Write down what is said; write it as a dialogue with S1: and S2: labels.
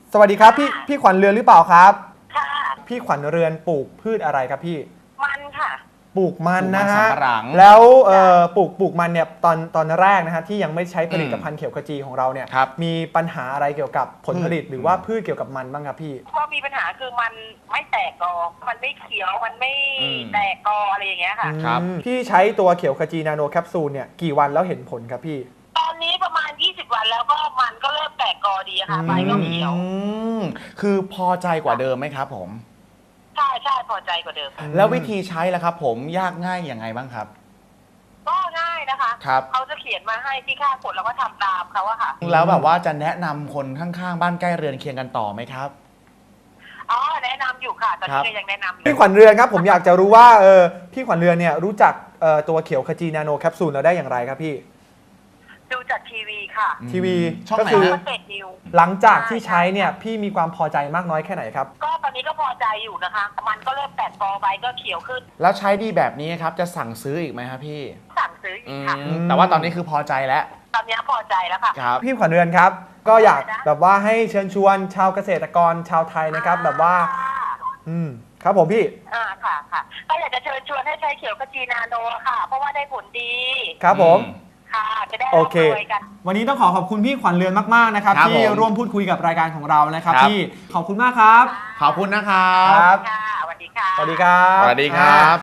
S1: สวัสดีครับพี่ขวัญเรือนหรือเปล่าครับ
S2: ค่ะ
S1: พี่ขวัญเรือนปลูกพืชอะไรครับพี่
S2: มันค่ะ
S1: ปลูกมันนะฮะ
S3: ปลูกมันสำปะหลัง
S1: แล้วปลูกมันเนี่ยตอนแรกนะฮะที่ยังไม่ใช้ผลิตภัณฑ์เขียวขจีของเราเนี่ย
S3: ครับ
S1: มีปัญหาอะไรเกี่ยวกับผลผลิตหรือว่าพืชเกี่ยวกับมันบ้างครับพี่
S2: ก็มีปัญหาคือมันไม่แตกกอมันไม่เขียวมันไม่
S3: อืม
S2: แตกกออะไรอย่างเงี้ยค่ะ
S3: ครับ
S1: พี่ใช้ตัวเขียวขจีนาโนแคปซูลเนี่ยกี่วันแล้วเห็นผลครับพี่
S2: ตอนนี้ประมาณ20 วันแล้วก็มันก็เริ่มแตกกอดีค่ะใบก็เขียว
S3: คือพอใจกว่าเดิมไหมครับผม
S2: ใช่พอใจกว่าเดิมค่ะ
S3: แล้ววิธีใช้ล่ะครับผมยากง่ายยังไงบ้างครับ
S2: ก็ง่ายนะคะ
S3: ครับ
S2: เขาจะเขียนมาให้ที่ค่าผลแล้วก็ทำตามเขาอะค่ะ
S3: แล้วแบบว่าจะแนะนำคนข้างๆบ้านใกล้เรือนเคียงกันต่อไหมครับ
S2: อ๋อแนะนำอยู่ค่ะตอน
S3: ครั
S2: นี้
S3: บ
S2: ก็ยังแนะนำอยู่
S1: พี่ขวัญเรือนครับผมอยากจะรู้ว่าพี่ขวัญเรือนเนี่ยรู้จักตัวเขียวขจีนาโนแคปซูลเราได้อย่างไรครับพี่
S2: ดูจากทีวีค่ะ
S1: ทีวี
S3: ช่อง
S1: ก็
S3: ไหน
S1: คือ
S3: ฮะ
S2: ก็เสร็จนิว
S1: หลังจากที่ใช้เนี่ยพี่มีความพอใจมากน้อยแค่ไหนครับ
S2: ก็ตอนนี้ก็พอใจอยู่นะคะ มันก็เริ่มแตกกอใบก็เขียวขึ้น
S3: แล้วใช้ดีแบบนี้ครับจะสั่งซื้ออีกไหมครับพี่
S2: สั่งซื้ออีกค่ะ
S3: แต่ว่าตอนนี้คือพอใจแล้ว
S2: ตอนนี้พอใจแล้วค่ะ
S3: ครับ
S1: พี่ขวัญเรือนครับก็อยากแบบว่าให้เชิญชวนชาวเกษตรกรชาวไทยนะครับแบบว่าครับผมพี่
S2: ค่ะก็อยากจะเชิญชวนให้ใช้เขียวขจีนาโนค่ะ เพราะว่าได้ผลดี
S1: ครับผม
S2: ค่ะ จะได้
S1: โอ
S2: ร่ำ
S1: เค
S2: รวยกัน
S1: วันนี้ต้องขอบคุณพี่ขวัญเรือนมากๆนะครับ
S3: ครับ
S1: ที่
S3: ผม
S1: ร่วมพูดคุยกับรายการของเรานะครับ
S3: ครับ
S1: พี่ขอบคุณมากครับ
S3: ขอบคุณนะครั
S1: ครับ บ
S2: ค่ะสวัสดีค่ะ
S1: สวัสดีครับ
S3: สวัสดีครับ